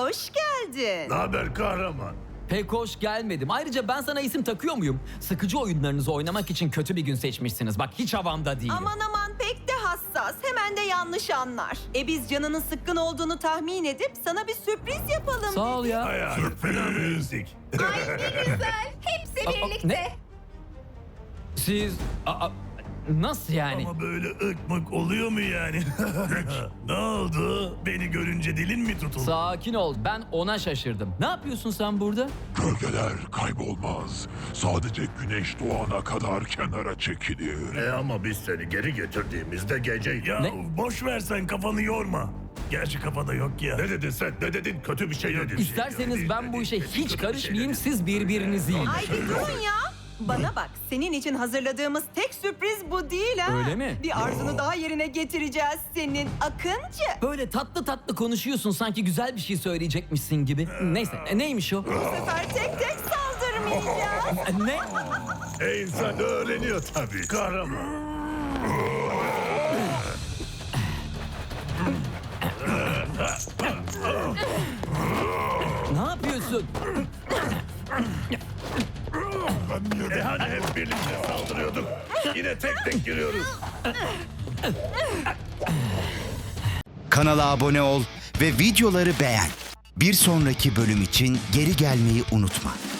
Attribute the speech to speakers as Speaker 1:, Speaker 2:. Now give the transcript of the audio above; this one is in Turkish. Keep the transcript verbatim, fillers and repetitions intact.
Speaker 1: Hoş geldin.
Speaker 2: Ne haber kahraman?
Speaker 3: Pek hoş gelmedim. Ayrıca ben sana isim takıyor muyum? Sıkıcı oyunlarınızı oynamak için kötü bir gün seçmişsiniz. Bak hiç havamda değilim.
Speaker 1: Aman aman pek de hassas. Hemen de yanlış anlar. E biz canının sıkkın olduğunu tahmin edip sana bir sürpriz yapalım.
Speaker 3: Sağ ol ya.
Speaker 2: Hayal fena müzik.
Speaker 4: Ay ne güzel. Hepsi
Speaker 3: Aa,
Speaker 4: birlikte.
Speaker 3: ne? Siz... Aa, nasıl yani?
Speaker 2: Ama böyle ıkmık oluyor mu yani? Ne oldu? Beni görünce dilin mi tutuldu?
Speaker 3: Sakin ol. Ben ona şaşırdım. Ne yapıyorsun sen burada?
Speaker 5: Gölgeler kaybolmaz. Sadece güneş doğana kadar kenara çekilir.
Speaker 2: E ama biz seni geri getirdiğimizde geceydi. Ya
Speaker 3: Ne?
Speaker 2: boş ver sen kafanı yorma. Gerçi kafada yok ya. Ne dedin sen? Ne dedin? Kötü bir şey dedin.
Speaker 3: İsterseniz ben bu işe hiç karışmayayım. Siz birbirinizi yiyin.
Speaker 1: Ay bir durun ya. Bana bak, senin için hazırladığımız tek sürpriz bu değil ha.
Speaker 3: Öyle mi?
Speaker 1: Bir arzunu daha yerine getireceğiz senin Akıncı.
Speaker 3: Böyle tatlı tatlı konuşuyorsun sanki güzel bir şey söyleyecekmişsin gibi. Neyse e, neymiş o?
Speaker 1: Bu sefer tek tek saldırmayacağız.
Speaker 3: E, Ne?
Speaker 2: E insan öğreniyor tabii. Kahraman.
Speaker 3: Ne yapıyorsun?
Speaker 2: E hani hep birlikte saldırıyorduk. Yine tek tek giriyoruz.
Speaker 6: Kanala abone ol ve videoları beğen. Bir sonraki bölüm için geri gelmeyi unutma.